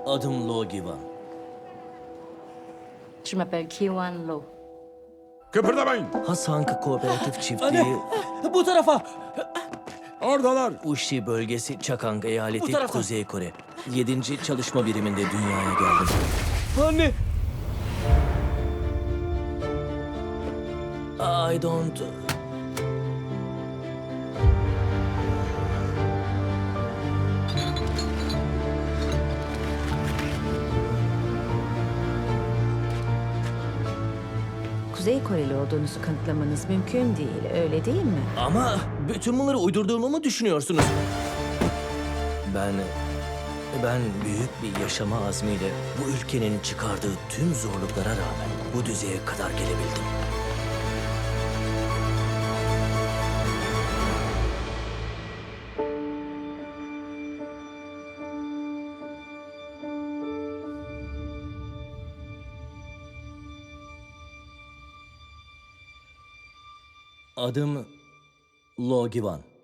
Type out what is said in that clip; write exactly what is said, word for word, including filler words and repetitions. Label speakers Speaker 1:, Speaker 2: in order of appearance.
Speaker 1: Adım Lo Givan.
Speaker 2: Je m'appelle Kiwan Lo.
Speaker 3: Kıpırdamayın.
Speaker 1: Hasank Kooperatif Çiftliği,
Speaker 4: Anne, bu tarafa.
Speaker 3: Oradalar.
Speaker 1: Uşi bölgesi, Çakang
Speaker 4: Bu
Speaker 1: eyaleti,
Speaker 4: taraftan.
Speaker 1: Kuzey Kore. Yedinci çalışma biriminde dünyaya geldim.
Speaker 4: Anne.
Speaker 1: I don't...
Speaker 5: Kuzey Koreli olduğunuzu kanıtlamanız mümkün değil, öyle değil mi?
Speaker 1: Ama bütün bunları uydurduğumu mu düşünüyorsunuz? Ben... Ben büyük bir yaşama azmiyle bu ülkenin çıkardığı tüm zorluklara rağmen bu düzeye kadar gelebildim. Adım Lo Givan.